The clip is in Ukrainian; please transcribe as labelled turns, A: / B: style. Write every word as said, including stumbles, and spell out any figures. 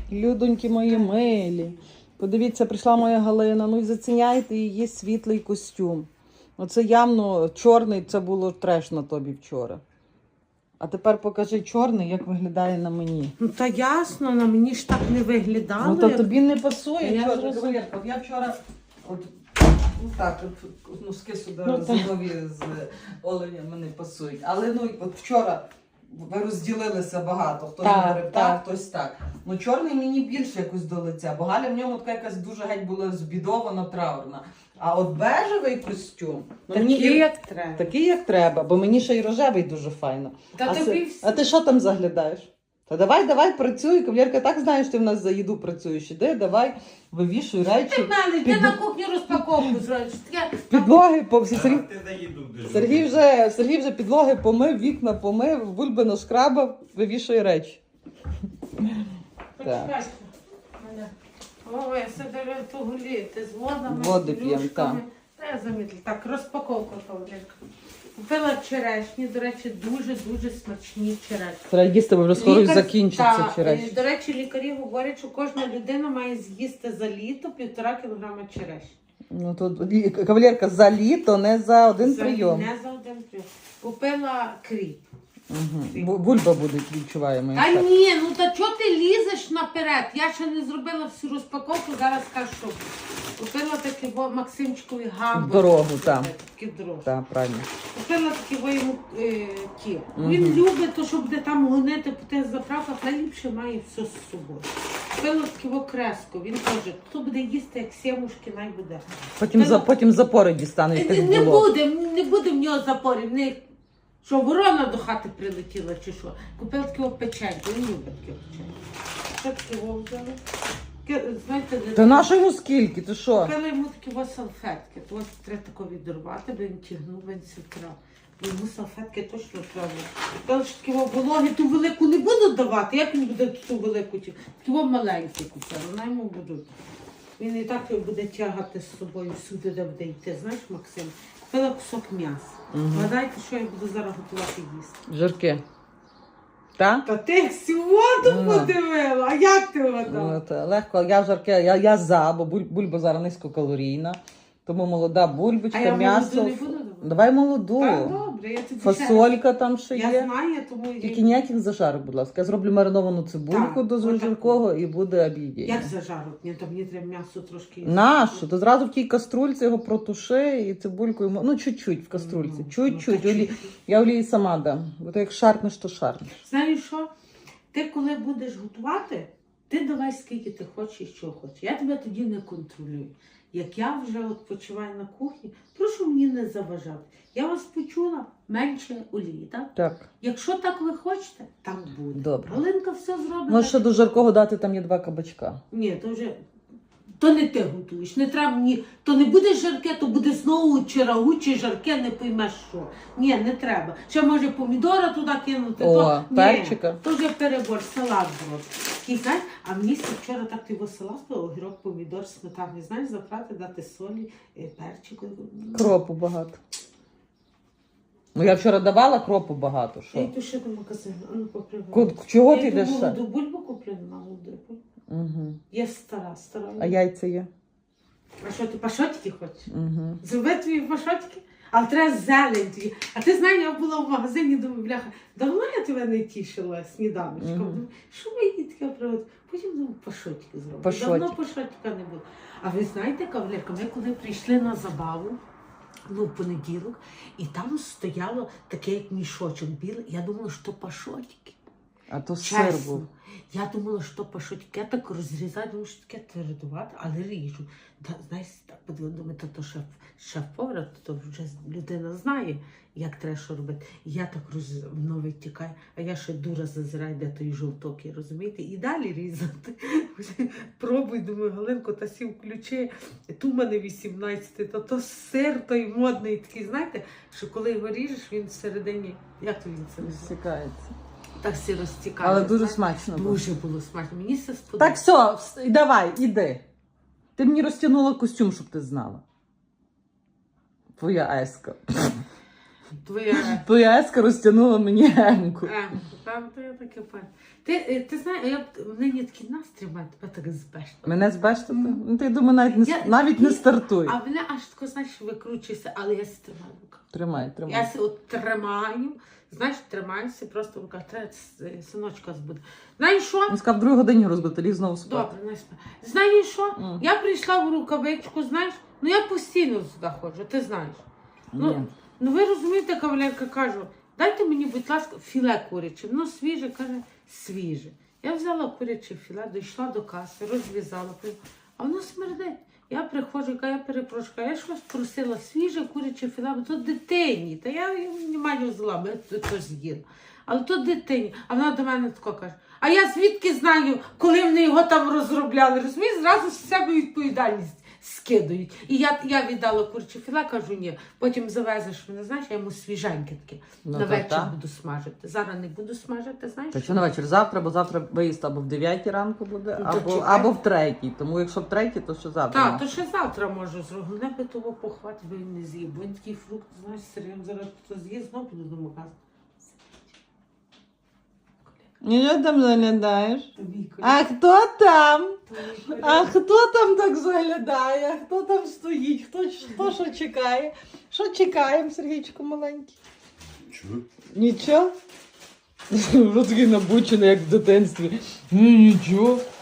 A: Людоньки мої милі. Подивіться, прийшла моя Галина. Ну і заціняйте її світлий костюм. Оце явно чорний, це було треш на тобі вчора. А тепер покажи чорний, як виглядає на мені.
B: Ну та ясно, на мені ж так не виглядало.
A: Ну то
B: як...
A: тобі не пасує.
B: Я
A: чорний
B: зрозуміла.
A: кавалерка. От я вчора, от, ну так, от носки сюди
B: Ну,
A: зимові з оленями не пасують. Але ну от вчора ви розділилися багато. Хтось
B: Так,
A: говорив так,
B: так.
A: хтось так. Ну чорний мені більше якось до лиця, бо Галя в ньому така якась дуже геть була збідована, траурна. А от бежевий костюм, ну,
B: Такий,
A: мені і-
B: як треба.
A: такий, як треба, бо мені ще й рожевий дуже файно.
B: Та
A: а,
B: тобі
A: це-
B: всі-
A: а ти що там заглядаєш? Та давай, давай, працюй. Кавалерка, так знаєш, ти в нас за їду працюєш. Іди, давай, вивішуй речі.
B: Ти в мене,
A: Під-
B: ти на кухню розпаковку зробиш. Таке-
A: Підлоги по Сергій,
C: Ти заїду дуже.
A: Сергій вже Сергій вже підлоги помив, вікна помив, бульби нашкрабав, вивішує речі.
B: Почекайте. Мене. Ой, я себе ту гуліти з водами,
A: Води
B: з
A: п'ємо,
B: плюшками. Та я замітила. Так, розпаковка Павленка. Купила черешні, до речі, дуже-дуже смачні черешні.
A: Треба їсти, бо вже скоро
B: Лікар-
A: закінчиться
B: та,
A: через.
B: е, До речі, лікарі говорять, що кожна людина має з'їсти за літо півтора кілограма черешні.
A: Ну тут лі- кавалерка за літо, не за один
B: За-
A: прийом.
B: Не за один прийом. Купила кріп.
A: Угу. Бульба буде, відчуваємо.
B: Та ні, ну та чого ти лізеш наперед? Я ще не зробила всю розпаковку, зараз скажу, що купила такі во Максимчикові гамбургери.
A: Дорогу, так.
B: Такі дорожі.
A: Так, правильно.
B: Купила такі во йому е, ті.
A: Мгм.
B: Він любить, то, що буде там гонити по тих заправках, найліпше має все з собою. Купила такі во креску. Він каже, хто буде їсти, як сімушки, най буде.
A: Потім, за, потім запори дістане,
B: Не,
A: як
B: не,
A: тих
B: не
A: було.
B: буде, не буде в нього запорів. Не, що ворона до хати прилетіла чи що. Купила таке печеньку, він любить таке печеньку. Що таке во взяли? Таке, знаєте, де-
A: Та на що йому скільки? Ти що?
B: Купила йому такі во салфетки. То ось треба тако відрубати, бо він тягнув, він сікрав. Бо йому салфетки точно треба. Купила, що такі во вологи, ту велику не буду давати. Як він буде ту велику? ті- Такі во маленькі купила, вона йому будуть. Він і так його буде тягати з собою всюди, де буде йти. Знаєш, Максим? Купила кусок м'яса. Гадайте, що я буду зараз готувати їсти.
A: Жирки. Так?
B: Та ти всю воду
A: Ну.
B: подивила, а як ти вода?
A: Ну, та легко, я жарке, я, я за, бо буль- бульба зараз низькокалорійна. Тому молода бульбочка,
B: А я
A: м'ясо.
B: молоду не буду давати?
A: Давай молоду.
B: Так, добре, я тобі
A: Фасолька там ще
B: ще...
A: є.
B: Я знаю, тому...
A: Тільки ніяких зажарок, будь ласка. Я зроблю мариновану цибульку
B: Так,
A: до
B: отак.
A: жаркого і буде обідіння.
B: Як зажарок? Ні, то мені треба м'ясо трошки...
A: Нащо? То зразу в тій каструльці його протуши і цибулькою, мо- ну чуть-чуть в каструльці,
B: Ну,
A: чуть-чуть.
B: ну, та
A: Олі- Я олії сама дам, бо то як шарпнеш, то шарпнеш.
B: Знаєш що? Ти коли будеш готувати, ти давай скільки ти хочеш і що хочеш. Я тебе тоді не контролюю. Як я вже от почуваю на кухні, прошу мені не заважати. Я вас почула, менше олії, так?
A: Так.
B: Якщо так ви хочете, так буде.
A: Добре.
B: Галинка все зробить.
A: Можеш ще
B: так.
A: до жаркого дати, там є два кабачка.
B: Ні, то вже... То не ти готуєш, не треба мені, то не буде жарке, то буде знову чи рагу, чи жарке, не поймеш що. Ні, не треба. Ще може помідора туди кинути.
A: О,
B: то,
A: перчика.
B: Ні, то вже перебор, салат зробити. Такий, знаєш, а мені ще вчора так ти його салат, огірок, помідор, сметані, знаєш, заправити, дати солі, е, перчику.
A: Кропу багато. Ну я вчора давала кропу багато.
B: Я
A: Що?
B: йду ще до магазину, а ну попривай.
A: Ку- Чого
B: Я
A: ти
B: йду
A: йдеш? ще?
B: молоду бульбу куплю на молоду.
A: Угу.
B: Я стара, стара.
A: А яйця є?
B: А що, ти пашотики хочеш?
A: Угу.
B: Зроби твої пашотки, але треба зелень твій. А ти знаєш, я була в магазині, думаю, бляха, давно я тебе не тішила сніданочком.
A: Мгм.
B: Думаю, що мені таке приводить? Потім думаю, пашотки зроблю.
A: Пашотики.
B: Давно пашотика не було. А ви знаєте, кавалерка, ми коли прийшли на забаву, ну, в понеділок, і там стояло таке, як мішочок білий, я думала, що пашотики.
A: А то сир
B: Чесно.
A: був.
B: Я думала, що пашотки, я так розрізаю, думаю, що таке твердувати, але ріжу. Та, знаєш, так подивила, думаю, то, то шеф, шеф-повар, то, то вже людина знає, як треба що робити. І я так роз... воно витікає, а я ще дура зазираю, де той жовток, є, розумієте? І далі різати. Пробуй, думаю, Галинко, та сів ключі, ту в мене вісімнадцятий, то то сир той модний такий, знаєте, що коли його ріжеш, він всередині, як то він це називає?
A: Розсікається.
B: Так всі розтікає.
A: Але дуже
B: знаєте?
A: смачно було.
B: Дуже було смачно. Мені все
A: Так,
B: сподобалося.
A: все, вс- давай, іди. Ти мені розтягнула костюм, щоб ти знала. Твоя еска.
B: Твоя...
A: Твоя еска розтягнула мені гемку.
B: Е, Правда, я таке пам'ятаю. Ти, е, ти знаєш, я б- нині такий настрій маю, тебе так збешно.
A: Мене збештати? Ну, ти, думаю, навіть не, с-
B: Я-
A: навіть не
B: Ні,
A: стартуй.
B: А мене аж тако, знаєш, викручується, але я стримаю в руках.
A: Тримай, тримай.
B: Я се от тримаю, знаєш, тримаюся просто в руках. Треба с- синочка збуде. Знаєш що?
A: Він сказав, в другій годині розбити, ліг знову спати.
B: Добре, не спа. Знаєш що?
A: М.
B: Я прийшла в рукавичку, знаєш, ну я постійно сюди ходжу, ти знаєш.
A: Ні.
B: Ну, ну ви розумієте, кавалерка, кажу, дайте мені, будь ласка, філе куряче. Ну, свіже, каже, свіже. Я взяла куряче філе, дійшла до каси, розв'язала, а воно смердить. Я приходжу, яка я перепрошую, кажу, я ж вас просила свіже куряче філе, бо то дитині. Та я не маю зла, бо я то, то з'їла. Але то дитині. А вона до мене тако каже, а я звідки знаю, коли вони його там розробляли? Розумієш, зразу з себе відповідальність скидають. І я, я віддала куряче філе, кажу, ні. Потім завезеш мене, знаєш, я йому свіженьке таке.
A: Ну,
B: на
A: то
B: вечір
A: так.
B: буду смажити. Зараз не буду смажити, знаєш?
A: Та що на вечір? Завтра, бо завтра виїзд або в дев'ятій ранку буде,
B: Ну, то
A: або,
B: чекай.
A: або в третій. Тому якщо в третій, то що завтра?
B: Так, то ще завтра можу зробити. Головне би того похвати, бо він не з'їв. Бо він такий фрукт, знаєш, сирим, зараз хто з'їсть, знову піду до магазину.
A: Ні, що там заглядаєш?
B: Тобі,
A: А хто там?
B: тобі,
A: А хто там так заглядає? Хто там стоїть? Хто, хто що чекає? Що чекаємо, Сергійчику маленький?
C: Чого?
A: Нічого? Вже такий набучений, як в дитинстві. Ну, нічого.